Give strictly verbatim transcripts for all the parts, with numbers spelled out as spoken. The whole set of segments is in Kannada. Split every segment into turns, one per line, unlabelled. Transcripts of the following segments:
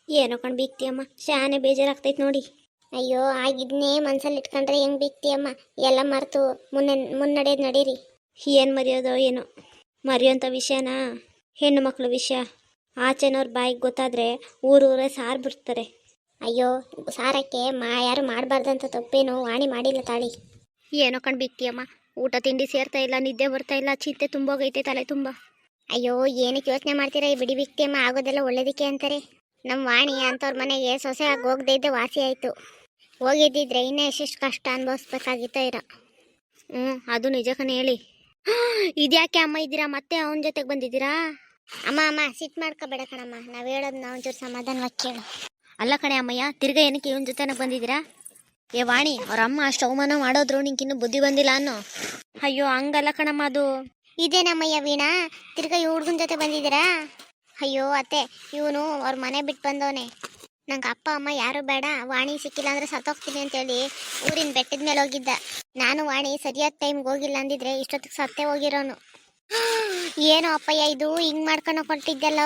ಏನೋ ಕಣ್ ಬೀಗ್ತಿಯಮ್ಮ, ಶಾನೆ ಬೇಜಾರಾಗ್ತೈತೆ ನೋಡಿ. ಅಯ್ಯೋ ಆಗಿದ್ನೇ ಮನ್ಸಲ್ಲಿ ಇಟ್ಕೊಂಡ್ರೆ ಹೆಂಗ್ ಬೀಗ್ತಿಯಮ್ಮ, ಎಲ್ಲ ಮರೆತು ಮುನ್ನೆ ಮುನ್ನಡೆಯೋದು ನಡೀರಿ. ಏನು ಮರೆಯೋದೋ ಏನೋ, ಮರೆಯೋಂಥ ವಿಷಯನಾ? ಹೆಣ್ಣು ಮಕ್ಕಳ ವಿಷಯ ಆಚೆನವ್ರ ಬಾಯಿಗೆ ಗೊತ್ತಾದರೆ ಊರೂರೇ ಸಾರು ಬಿಡ್ತಾರೆ. ಅಯ್ಯೋ ಸಾರಕ್ಕೆ ಮಾ ಯಾರು ಮಾಡಬಾರ್ದಂತ ತಪ್ಪೇನು ವಾಣಿ ಮಾಡಿಲ್ಲ ತಾಳಿ. ಏನೋ ಕಣ್ ಬೀಗ್ತಿಯಮ್ಮ, ಊಟ ತಿಂಡಿ ಸೇರ್ತಾ ಇಲ್ಲ, ನಿದ್ದೆ ಬರ್ತಾ ಇಲ್ಲ, ಚಿಂತೆ ತುಂಬೋಗೈತೆ ತಲೆ ತುಂಬ. ಅಯ್ಯೋ ಏನಕ್ಕೆ ಯೋಚನೆ ಮಾಡ್ತೀರಾ, ಈ ಬಿಡಿ ಬೀಗ್ತಿಯಮ್ಮ, ಆಗೋದೆಲ್ಲ ಒಳ್ಳೇದಕ್ಕೆ ಅಂತಾರೆ. ನಮ್ಮ ವಾಣಿ ಅಂಥವ್ರ ಮನೆಗೆ ಸೊಸೆ ಆಗಿ ಹೋಗದೇ ಇದ್ದೆ ವಾಸಿ ಆಯಿತು. ಹೋಗಿದ್ದಿದ್ರೆ ಇನ್ನೂ ಎಷ್ಟೆಷ್ಟು ಕಷ್ಟ ಅನುಭವಿಸ್ಬೇಕಾಗಿತ್ತೋ ಇರೋ. ಹ್ಞೂ ಅದು ನಿಜ ಕಣೆ. ಹೇಳಿ ಇದ್ಯಾಕೆ ಅಮ್ಮ ಇದ್ದೀರಾ, ಮತ್ತೆ ಅವನ ಜೊತೆಗೆ ಬಂದಿದ್ದೀರಾ? ಅಮ್ಮ ಅಮ್ಮ ಸಿಟ್ಟು ಮಾಡ್ಕೋಬೇಡ ಕಣಮ್ಮ, ನಾವು ಹೇಳೋದು ನಾವು ಒಂಚೂರು ಸಮಾಧಾನವಾಗಿ ಕೇಳು. ಅಲ್ಲ ಕಣೆ ಅಮ್ಮಯ್ಯ, ತಿರ್ಗಾ ಏನಕ್ಕೆ ಇವನ ಜೊತೆನ ಬಂದಿದ್ದೀರಾ? ಏ ವಾಣಿ, ಅವ್ರ ಅಮ್ಮ ಅಷ್ಟು ಅವಮಾನ ಮಾಡೋದ್ರು ನಿಂಗಿನ್ನೂ ಬುದ್ಧಿ ಬಂದಿಲ್ಲ ಅನ್ನೋ. ಅಯ್ಯೋ ಹಂಗಲ್ಲ ಕಣಮ್ಮ, ಅದು ಇದೇನಮ್ಮಯ್ಯ ವೀಣಾ, ತಿರ್ಗಾ ಈ ಹುಡ್ಗನ ಜೊತೆ ಬಂದಿದ್ದೀರಾ? ಅಯ್ಯೋ ಅತ್ತೆ, ಇವನು ಅವ್ರ ಮನೆ ಬಿಟ್ಟು ಬಂದವನೆ. ನಂಗೆ ಅಪ್ಪ ಅಮ್ಮ ಯಾರು ಬೇಡ, ವಾಣಿ ಸಿಕ್ಕಿಲ್ಲ ಅಂದ್ರೆ ಸತ್ತೋಗ್ತೀನಿ ಅಂತೇಳಿ ಊರಿನ ಬೆಟ್ಟದ ಮೇಲೆ ಹೋಗಿದ್ದ. ನಾನು ವಾಣಿ ಸರಿಯಾದ ಟೈಮ್ಗೆ ಹೋಗಿಲ್ಲ ಅಂದಿದ್ರೆ ಇಷ್ಟೊತ್ತಿಗೆ ಸತ್ತೇ ಹೋಗಿರೋನು. ಏನೋ ಅಪ್ಪಯ್ಯ ಇದು ಹಿಂಗೆ ಮಾಡ್ಕೊಂಡು ಕೊಟ್ಟಿದ್ದಲ್ಲೋ.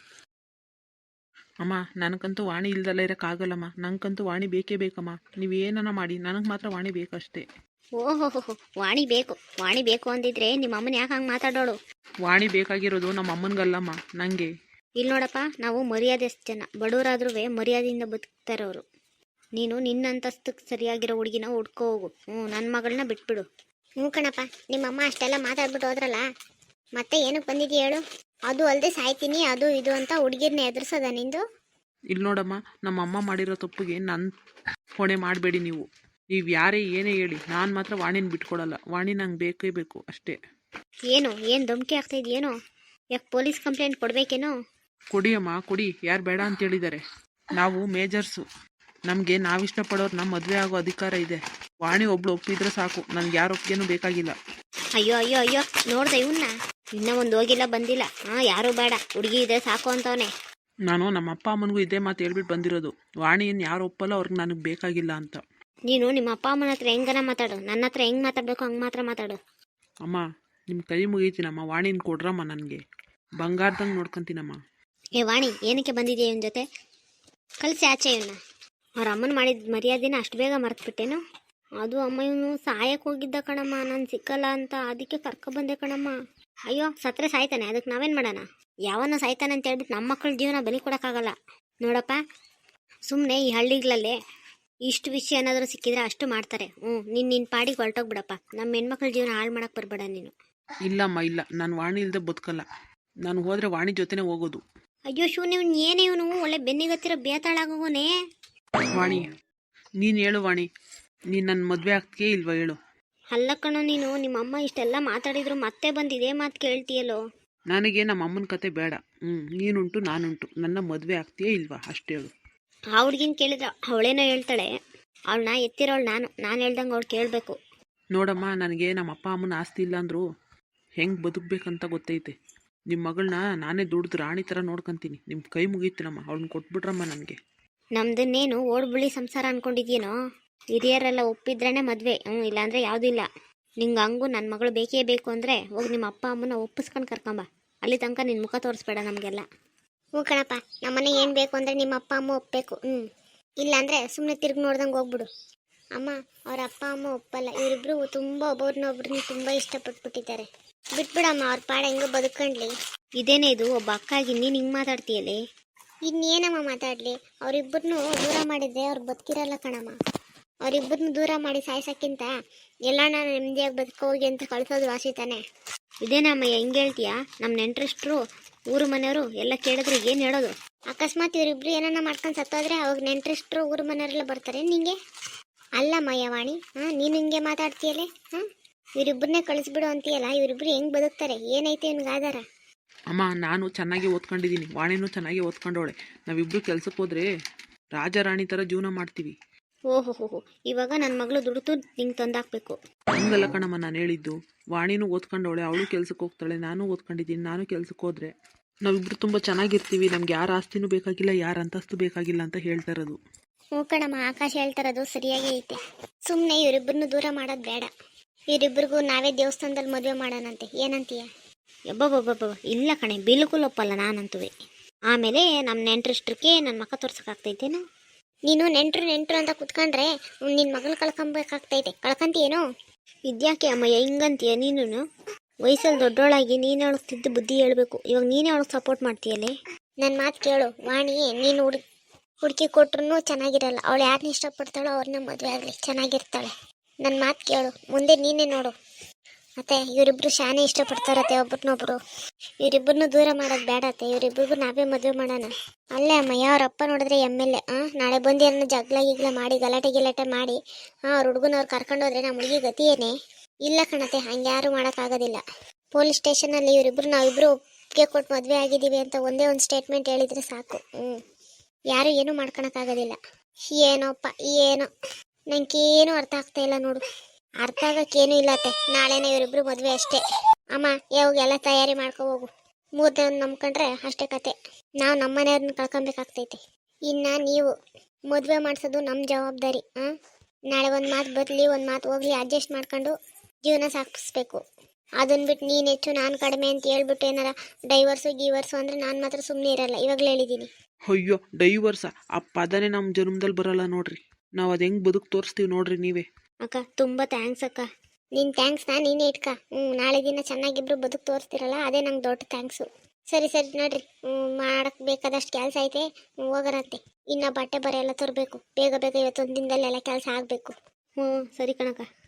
ಅಮ್ಮ ನನಗಂತೂ ವಾಣಿ ಇಲ್ದಲ್ಲ ಇರೋಕ್ಕಾಗಲ್ಲಮ್ಮ, ನನಗಂತೂ ವಾಣಿ ಬೇಕೇ ಬೇಕಮ್ಮ. ನೀವು ಏನನ್ನ ಮಾಡಿ ನನಗೆ ಮಾತ್ರ ವಾಣಿ ಬೇಕಷ್ಟೇ.
ಓಹೋ ಹೋ ವಾಣಿ ಬೇಕು, ವಾಣಿ ಬೇಕು ಅಂದಿದ್ರೆ ನಿಮ್ಮ ಅಮ್ಮನ ಯಾಕೆ ಹಂಗೆ ಮಾತಾಡೋಳು?
ವಾಣಿ ಬೇಕಾಗಿರೋದು ನಮ್ಮ ಅಮ್ಮನಿಗಲ್ಲಮ್ಮ, ನನಗೆ.
ಇಲ್ಲಿ ನೋಡಪ್ಪ, ನಾವು ಮರ್ಯಾದೆಷ್ಟು ಜನ ಬಡವರಾದ್ರೂ ಮರ್ಯಾದೆಯಿಂದ ಬದುಕ್ತಾರವರು. ನೀನು ನಿನ್ನ ಅಂತಸ್ತಕ್ಕೆ ಸರಿಯಾಗಿರೋ ಹುಡುಗಿನ ಹುಡ್ಕೋ ಹೋಗು. ಹ್ಞೂ ನನ್ನ ಮಗಳನ್ನ ಬಿಟ್ಬಿಡು. ಹ್ಞೂ ಕಣಪ್ಪ, ನಿಮ್ಮಮ್ಮ ಅಷ್ಟೆಲ್ಲ ಮಾತಾಡ್ಬಿಟ್ಟು ಹೋದ್ರಲ್ಲ, ಮತ್ತೆ ಏನಕ್ಕೆ ಬಂದಿದ್ದೀಯ ಹೇಳು? ಅದು ಅಲ್ಲದೆ ಸಾಯ್ತೀನಿ ಅದು ಇದು ಅಂತ ಹುಡುಗಿರ್ನ ಎದುರಿಸೋದ ನಿಂದು?
ಇಲ್ಲಿ ನೋಡಮ್ಮ, ನಮ್ಮ ಅಮ್ಮ ಮಾಡಿರೋ ತಪ್ಪಿಗೆ ನನ್ನ ಹೊಣೆ ಮಾಡಬೇಡಿ ನೀವು. ನೀವು ಯಾರೇ ಏನೇ ಹೇಳಿ, ನಾನು ಮಾತ್ರ ವಾಣಿನ ಬಿಟ್ಕೊಡಲ್ಲ. ವಾಣಿ ನಂಗೆ ಬೇಕೇ ಬೇಕು ಅಷ್ಟೇ.
ಏನು ಏನು ಧಮಕಿ ಆಗ್ತಾ ಇದೆಯೇನೋ? ಯಾಕೆ ಪೊಲೀಸ್ ಕಂಪ್ಲೇಂಟ್ ಕೊಡಬೇಕೇನೋ?
ಕೊಡಿ ಅಮ್ಮ ಕೊಡಿ, ಯಾರು ಬೇಡ ಅಂತ ಹೇಳಿದ್ದಾರೆ? ನಾವು ಮೇಜರ್ಸು, ನಮಗೆ ನಾವಿಷ್ಟಪಡೋರು ನಮ್ಮ ಮದುವೆ ಆಗೋ ಅಧಿಕಾರ ಇದೆ. ವಾಣಿ ಒಬ್ಳು ಒಪ್ಪಿದ್ರೆ ಸಾಕು, ನನಗೆ ಯಾರು ಒಪ್ಪಿಗೆನೂ ಬೇಕಾಗಿಲ್ಲ.
ಅಯ್ಯೋ ಅಯ್ಯೋ ಅಯ್ಯೋ, ನೋಡ್ದೆ ಇವನ್ನ, ಇನ್ನೂ ಒಂದು ಹೋಗಿಲ್ಲ ಬಂದಿಲ್ಲ. ಹಾಂ ಯಾರೂ ಬೇಡ, ಹುಡುಗಿ ಇದೆ ಸಾಕು ಅಂತವನೇ.
ನಾನು ನಮ್ಮ ಅಪ್ಪ ಅಮ್ಮನಿಗೂ ಇದೇ ಮಾತು ಹೇಳ್ಬಿಟ್ಟು ಬಂದಿರೋದು, ವಾಣಿಯನ್ನು ಯಾರು ಒಪ್ಪಲ್ಲ, ಅವ್ರಿಗೆ ನನಗೆ ಬೇಕಾಗಿಲ್ಲ ಅಂತ.
ನೀನು ನಿಮ್ಮ ಅಪ್ಪ ಅಮ್ಮನ ಹತ್ರ ಹೆಂಗನ ಮಾತಾಡು, ನನ್ನ ಹತ್ರ ಹೆಂಗೆ ಮಾತಾಡಬೇಕು ಹಂಗೆ ಮಾತ್ರ ಮಾತಾಡು.
ಅಮ್ಮ ನಿಮ್ಮ ಕೈ ಮುಗೀತೀನಮ್ಮ, ವಾಣಿನ ಕೊಡ್ರಮ್ಮ, ನನಗೆ ಬಂಗಾರದಂಗೆ ನೋಡ್ಕೊತೀನಮ್ಮ.
ಏ ವಾಣಿ, ಏನಕ್ಕೆ ಬಂದಿದೆಯಾ ಇವನ ಜೊತೆ? ಕಳಿಸಿ ಆಚೆ ಇವನ್ನ. ಅವ್ರ ಅಮ್ಮನ ಮಾಡಿದ ಮರ್ಯಾದೆನ ಅಷ್ಟು ಬೇಗ ಮರೆತುಬಿಟ್ಟೇನು? ಅದು ಅಮ್ಮ ಇವನು ಸಾಯಕ್ಕೆ ಹೋಗಿದ್ದ ಕಣಮ್ಮ, ನಾನು ಸಿಕ್ಕಲ್ಲ ಅಂತ, ಅದಕ್ಕೆ ಕರ್ಕೊಬಂದೆ ಕಣಮ್ಮ. ಅಯ್ಯೋ ಸತ್ರೆ ಸಾಯ್ತಾನೆ, ಅದಕ್ಕೆ ನಾವೇನು ಮಾಡೋಣ? ಯಾವನ್ನ ಸಾಯ್ತಾನೆ ಅಂತ ಹೇಳ್ಬಿಟ್ಟು ನಮ್ಮ ಮಕ್ಕಳ ಜೀವನ ಬಲಿ ಕೊಡೋಕ್ಕಾಗಲ್ಲ. ನೋಡಪ್ಪ, ಸುಮ್ಮನೆ ಈ ಹಳ್ಳಿಗಳಲ್ಲೇ ಇಷ್ಟು ವಿಷಯ ಏನಾದರೂ ಸಿಕ್ಕಿದ್ರೆ ಅಷ್ಟು ಮಾಡ್ತಾರೆ. ಹ್ಞೂ ನೀನು ನಿನ್ನ ಪಾಡಿಗೆ ಹೊರಟೋಗ್ಬಿಡಪ್ಪ, ನಮ್ಮ ಹೆಣ್ಮಕ್ಳ ಜೀವನ ಹಾಳು ಮಾಡೋಕ್ಕೆ ಬರಬೇಡ ನೀನು.
ಇಲ್ಲಮ್ಮ ಇಲ್ಲ, ನಾನು ವಾಣಿ ಇಲ್ಲದೆ ಬದುಕಲ್ಲ. ನಾನು ಹೋದರೆ ವಾಣಿ ಜೊತೆನೇ ಹೋಗೋದು.
ಅಯ್ಯೋ ಶೂ, ನೀವು ಏನೇ ಇವನು ಒಳ್ಳೆ ಬೆನ್ನಿಗತ್ತಿರೋ ಬೇತಾಳಾಗೋನೇ.
ವಾಣಿ ನೀನು ಹೇಳು, ವಾಣಿ ನೀನು ನನ್ನ ಮದುವೆ ಆಗ್ತೀಯೇ ಇಲ್ವಾ ಹೇಳು?
ಅಲ್ಲ ಕಣೋ, ನೀನು ನಿಮ್ಮ ಅಮ್ಮ ಇಷ್ಟೆಲ್ಲ ಮಾತಾಡಿದ್ರು ಮತ್ತೆ ಬಂದಿದೆ ಮಾತು ಕೇಳ್ತೀಯಲ್ಲೋ.
ನನಗೆ ನಮ್ಮ ಅಮ್ಮನ ಕತೆ ಬೇಡ. ಹ್ಞೂ ನೀನುಂಟು ನಾನುಂಟು, ನನ್ನ ಮದುವೆ ಆಗ್ತೀಯೇ ಇಲ್ವಾ ಅಷ್ಟೇ ಹೇಳು.
ಆ ಹುಡ್ಗಿನ ಕೇಳಿದ್ರೆ ಅವಳೇನೋ ಹೇಳ್ತಾಳೆ, ಅವಳನ್ನ ಎತ್ತಿರೋಳು ನಾನು, ನಾನು ಹೇಳ್ದಂಗೆ ಅವಳು ಕೇಳಬೇಕು.
ನೋಡಮ್ಮ, ನನಗೆ ನಮ್ಮ ಅಪ್ಪ ಅಮ್ಮನ ಆಸ್ತಿ ಇಲ್ಲ ಅಂದರು ಹೆಂಗೆ ಬದುಕಬೇಕಂತ ಗೊತ್ತೈತೆ. ನಿಮ್ಮ ಮಗಳನ್ನ ನಾನೇ ದುಡ್ದು ರಾಣಿ ಥರ ನೋಡ್ಕೊತೀನಿ. ನಿಮ್ಮ ಕೈ ಮುಗೀತೀನಮ್ಮ, ಅವಳನ್ನ ಕೊಟ್ಬಿಟ್ರಮ್ಮ ನನಗೆ.
ನಮ್ದನ್ನೇನು ಓಡ್ಬುಳಿ ಸಂಸಾರ ಅನ್ಕೊಂಡಿದ್ಯೇನೋ? ಹಿರಿಯರೆಲ್ಲ ಒಪ್ಪಿದ್ರೇ ಮದುವೆ, ಹ್ಞೂ ಇಲ್ಲಾಂದರೆ ಯಾವುದೂ ಇಲ್ಲ. ನಿಂಗೆ ಹಂಗು ನನ್ನ ಮಗಳು ಬೇಕೇ ಬೇಕು ಅಂದರೆ ಹೋಗಿ ನಿಮ್ಮ ಅಪ್ಪ ಅಮ್ಮನ ಒಪ್ಪಿಸ್ಕೊಂಡು ಕರ್ಕೊಂಬ. ಅಲ್ಲಿ ತನಕ ನಿನ್ನ ಮುಖ ತೋರಿಸ್ಬೇಡ ನಮಗೆಲ್ಲ. ಹ್ಞೂ ಕಣಪ್ಪ, ನಮ್ಮನೆ ಏನು ಬೇಕು ಅಂದರೆ ನಿಮ್ಮ ಅಪ್ಪ ಅಮ್ಮ ಒಪ್ಪಬೇಕು. ಹ್ಞೂ ಇಲ್ಲಾಂದರೆ ಸುಮ್ಮನೆ ತಿರುಗಿ ನೋಡ್ದಂಗೆ ಹೋಗ್ಬಿಡು. ಅಮ್ಮ ಅವ್ರ ಅಪ್ಪ ಅಮ್ಮ ಒಪ್ಪಲ್ಲ, ಇವರಿಬ್ಬರು ತುಂಬ ಒಬ್ಬರನ್ನ ಒಬ್ರನ್ನ ತುಂಬ ಇಷ್ಟಪಟ್ಬಿಟ್ಟಿದ್ದಾರೆ. ಬಿಟ್ಬಿಡಮ್ಮ, ಅವ್ರ ಪಾಡ ಹೆಂಗೋ ಬದುಕೊಂಡ್ಲಿ. ಇದೇನೇ ಇದು, ಒಬ್ಬ ಅಕ್ಕಾಗಿ ನೀನು ಹಿಂಗೆ ಮಾತಾಡ್ತೀಯಲ್ಲೇ? ಇನ್ನೇನಮ್ಮ ಮಾತಾಡಲಿ, ಅವರಿಬ್ಬರನ್ನೂ ದೂರ ಮಾಡಿದ್ರೆ ಅವ್ರು ಬದುಕಿರಲ್ಲ ಕಣಮ್ಮ. ಅವರಿಬ್ಬರನ್ನ ದೂರ ಮಾಡಿ ಸಾಯ್ಸೋಕ್ಕಿಂತ ಎಲ್ಲ ನಾನು ನೆಮ್ಮದಿಯಾಗಿ ಬದುಕೋಗಿ ಅಂತ ಕಳಿಸೋದು ವಾಸಿ ತಾನೆ. ಇದೇನಮ್ಮಯ್ಯ ಹಿಂಗೆ ಹೇಳ್ತೀಯಾ? ನಮ್ಮ ನೆಂಟ್ರಿಷ್ಟ್ರು ಊರು ಮನೆಯವರು ಎಲ್ಲ ಕೇಳಿದ್ರೆ ಏನು ಹೇಳೋದು? ಅಕಸ್ಮಾತ್ ಇವರಿಬ್ರು ಏನನ್ನ ಮಾಡ್ಕೊಂಡು ಸತ್ತೋದ್ರೆ ಅವಾಗ ನೆಂಟ್ರಿಷ್ಟ್ರು ಊರು ಮನೆಯವರೆಲ್ಲ ಬರ್ತಾರೆ ನಿಂಗೆ? ಅಲ್ಲ ಮಯ್ಯವಾಣಿ, ಹಾಂ ನೀನು ಹಿಂಗೆ ಮಾತಾಡ್ತೀಯಲ್ಲೇ? ಹಾಂ ಇವರಿಬ್ಬರನ್ನೇ ಕಳಿಸ್ಬಿಡು ಅಂತೀಯಲ್ಲ, ಇವರಿಬ್ರು ಹೆಂಗೆ ಬದುಕ್ತಾರೆ? ಏನೈತೆ ಇವ್ನಿಗೆ ಆಧಾರ?
ಅಮ್ಮ ನಾನು ಚೆನ್ನಾಗಿ ಓದ್ಕೊಂಡಿದ್ದೀನಿ, ವಾಣಿನೂ ಚೆನ್ನಾಗಿ ಓದ್ಕೊಂಡವಳೆ. ನಾವಿಬ್ಬರು ಕೆಲ್ಸಕ್ಕೆ ಹೋದ್ರೆ ರಾಜ ರಾಣಿ ಥರ ಜೀವನ ಮಾಡ್ತೀವಿ.
ಓಹೋ ಹೋ ಹೋ, ಇವಾಗ ನನ್ನ ಮಗಳು ದುಡ್ದು ನಿಂಗೆ ತಂದಾಕಬೇಕು.
ಹಂಗಲ್ಲ ಕಣಮ್ಮ ನಾನು ಹೇಳಿದ್ದು. ವಾಣಿನೂ ಓದ್ಕೊಂಡವಳೆ, ಅವಳು ಕೆಲ್ಸಕ್ಕೆ ಹೋಗ್ತಾಳೆ, ನಾನು ಓದ್ಕೊಂಡಿದ್ದೀನಿ. ನಾನು ಕೆಲ್ಸಕ್ಕೆ ಹೋದ್ರೆ ನಾವಿಬ್ರು ತುಂಬ ಚೆನ್ನಾಗಿರ್ತೀವಿ, ನಮ್ಗೆ ಯಾರ ಆಸ್ತಿನೂ ಬೇಕಾಗಿಲ್ಲ, ಯಾರ ಅಂತಸ್ತು ಬೇಕಾಗಿಲ್ಲ ಅಂತ ಹೇಳ್ತಾ ಇರೋದು.
ಹ್ಞೂ ಕಣಮ್ಮ, ಆಕಾಶ ಹೇಳ್ತಾರದು ಸರಿಯಾಗಿ ಐತೆ. ಸುಮ್ಮನೆ ಇವರಿಬ್ಬರನ್ನು ದೂರ ಮಾಡೋದು ಬೇಡ. ಇವರಿಬ್ಬರಿಗೂ ನಾವೇ ದೇವಸ್ಥಾನದಲ್ಲಿ ಮದುವೆ ಮಾಡೋಣಂತೆ, ಏನಂತೀಯ? ಯಬ್ಬಬ್ಬಬ್ಬ ಇಲ್ಲ ಕಣೆ, ಬಿಲ್ಕುಲ್ ಒಪ್ಪಲ್ಲ ನಾನಂತುವೆ. ಆಮೇಲೆ ನಮ್ಮ ನೆಂಟ್ರಿಷ್ಟ್ರಿಗೆ ನನ್ನ ಮಕ್ಕ ತೋರ್ಸೋಕ್ಕಾಗ್ತೈತೇನು? ನೀನು ನೆಂಟ್ರು ನೆಂಟ್ರು ಅಂತ ಕುತ್ಕೊಂಡ್ರೆ ನಿನ್ನ ಮಗಳು ಕಳ್ಕೊಂಬೇಕಾಗ್ತೈತೆ. ಕಳ್ಕೊಂತೀಯೇನೋ? ಇದ್ಯಾಕೆ ಅಮ್ಮಯ್ಯ ಹಿಂಗಂತೀಯ ನೀನು? ವಯಸ್ಸಲ್ಲಿ ದೊಡ್ಡೋಳಾಗಿ ನೀನು ಅವಳಿಗೆ ಬುದ್ಧಿ ಹೇಳ್ಬೇಕು. ಇವಾಗ ನೀನೇ ಅವಳಿಗೆ ಸಪೋರ್ಟ್ ಮಾಡ್ತೀಯಲ್ಲೇ. ನನ್ನ ಮಾತು ಕೇಳು ವಾಣಿ, ನೀನು ಹುಡುಗಿ ಹುಡುಕಿ ಕೊಟ್ರು ಚೆನ್ನಾಗಿರಲ್ಲ. ಅವಳು ಯಾರನ್ನ ಇಷ್ಟಪಡ್ತಾಳೋ ಅವ್ರನ್ನ ಮದುವೆ ಆಗಲಿ, ಚೆನ್ನಾಗಿರ್ತಾಳೆ. ನನ್ನ ಮಾತು ಕೇಳು, ಮುಂದೆ ನೀನೇ ನೋಡು. ಮತ್ತೆ ಇವರಿಬ್ರು ಶಾನೆ ಇಷ್ಟಪಡ್ತಾರತ್ತೆ ಒಬ್ರನ್ನೊಬ್ರು. ಇವರಿಬ್ಬರನ್ನು ದೂರ ಮಾಡೋದು ಬೇಡ ಅತ್ತೆ. ಇವರಿಬ್ರಿಗೂ ನಾವೇ ಮದುವೆ ಮಾಡೋಣ. ಅಲ್ಲೇ ಅಮ್ಮಯ್ಯ ಅವ್ರ ಅಪ್ಪ ನೋಡಿದ್ರೆ ಎಮ್ ಎಲ್ ಎ ನಾಳೆ ಬಂದು ಏನೋ ಜಗಳ ಗಿಗ್ಲ ಮಾಡಿ ಗಲಾಟೆ ಗಿಲಾಟೆ ಮಾಡಿ ಹಾಂ ಅವ್ರ ಹುಡುಗನವ್ರು ಕರ್ಕೊಂಡೋದ್ರೆ ನಮ್ಮ ಹುಡುಗಿ ಗತಿ ಏನೇ? ಇಲ್ಲ ಕಣತೆ, ಹಂಗೆ ಯಾರು ಮಾಡೋಕ್ಕಾಗೋದಿಲ್ಲ. ಪೊಲೀಸ್ ಸ್ಟೇಷನಲ್ಲಿ ಇವರಿಬ್ರು ನಾವಿಬ್ರು ಒಪ್ಪಿಗೆ ಕೊಟ್ಟು ಮದುವೆ ಆಗಿದ್ದೀವಿ ಅಂತ ಒಂದೇ ಒಂದು ಸ್ಟೇಟ್ಮೆಂಟ್ ಹೇಳಿದರೆ ಸಾಕು. ಹ್ಞೂ ಯಾರು ಏನೂ ಮಾಡ್ಕೊಳಕ್ಕಾಗೋದಿಲ್ಲ. ಏನೋಪ್ಪ ಏನೋ ನಂಗೇನು ಅರ್ಥ ಆಗ್ತಾ ಇಲ್ಲ ನೋಡು. ಅರ್ಥ ಆಗೋಕ್ಕೇನೂ ಇಲ್ಲ ಅತ್ತೆ. ನಾಳೆನೇ ಇವರಿಬ್ರು ಮದುವೆ ಅಷ್ಟೇ. ಅಮ್ಮ ಯಾವಾಗೆಲ್ಲ ತಯಾರಿ ಮಾಡ್ಕೊ ಹೋಗು. ಮೂರನೇ ಒಂದು ನಂಬ್ಕೊಂಡ್ರೆ ಅಷ್ಟೇ ಕತೆ. ನಾವು ನಮ್ಮ ಮನೆಯವ್ರನ್ನ ಕಳ್ಕೊಬೇಕಾಗ್ತೈತೆ. ಇನ್ನು ನೀವು ಮದುವೆ ಮಾಡಿಸೋದು ನಮ್ಮ ಜವಾಬ್ದಾರಿ. ಹಾಂ ನಾಳೆ ಒಂದು ಮಾತು ಬರಲಿ ಒಂದು ಮಾತು ಹೋಗ್ಲಿ ಅಡ್ಜಸ್ಟ್ ಮಾಡ್ಕೊಂಡು ಜೀವನ ಸಾಗಿಸ್ಬೇಕು. ಅದನ್ನ ಬಿಟ್ಟು ನೀನು ಹೆಚ್ಚು ನಾನು ಕಡಿಮೆ ಅಂತ ಹೇಳ್ಬಿಟ್ಟು ಏನಾರ ಡೈವರ್ಸು ಗೀವರ್ಸು ಅಂದರೆ ನಾನು ಮಾತ್ರ ಸುಮ್ಮನೆ ಇರಲ್ಲ. ಇವಾಗಲೇ ಹೇಳಿದ್ದೀನಿ.
ಅಯ್ಯೋ ಡೈವರ್ಸ ಆ ಪದನೇ ನಮ್ಮ ಜನ್ಮದಲ್ಲಿ ಬರಲ್ಲ ನೋಡ್ರಿ. ನಾವು ಅದು ಹೆಂಗೆ ಬದುಕು ತೋರಿಸ್ತೀವಿ ನೋಡ್ರಿ ನೀವೇ.
ಅಕ್ಕ ತುಂಬ ಥ್ಯಾಂಕ್ಸ್ ಅಕ್ಕ. ನಿನ್ನ ಥ್ಯಾಂಕ್ಸ್ನ ನೀನೇ ಇಟ್ಕ. ಹ್ಞೂ ನಾಳೆ ದಿನ ಚೆನ್ನಾಗಿಬ್ರು ಬದುಕು ತೋರಿಸ್ತಿರಲ್ಲ, ಅದೇ ನಂಗೆ ದೊಡ್ಡ ಥ್ಯಾಂಕ್ಸು. ಸರಿ ಸರಿ ನೋಡ್ರಿ, ಹ್ಞೂ ಮಾಡಕ್ಕೆ ಬೇಕಾದಷ್ಟು ಕೆಲಸ ಐತೆ, ಹೋಗೋರಂತೆ. ಇನ್ನು ಬಟ್ಟೆ ಬರೆ ಎಲ್ಲ ತರಬೇಕು. ಬೇಗ ಬೇಗ ಇವತ್ತೊಂದು ದಿನದಲ್ಲೆಲ್ಲ ಕೆಲಸ ಆಗಬೇಕು. ಹ್ಞೂ ಸರಿ ಕಣಕ್ಕ.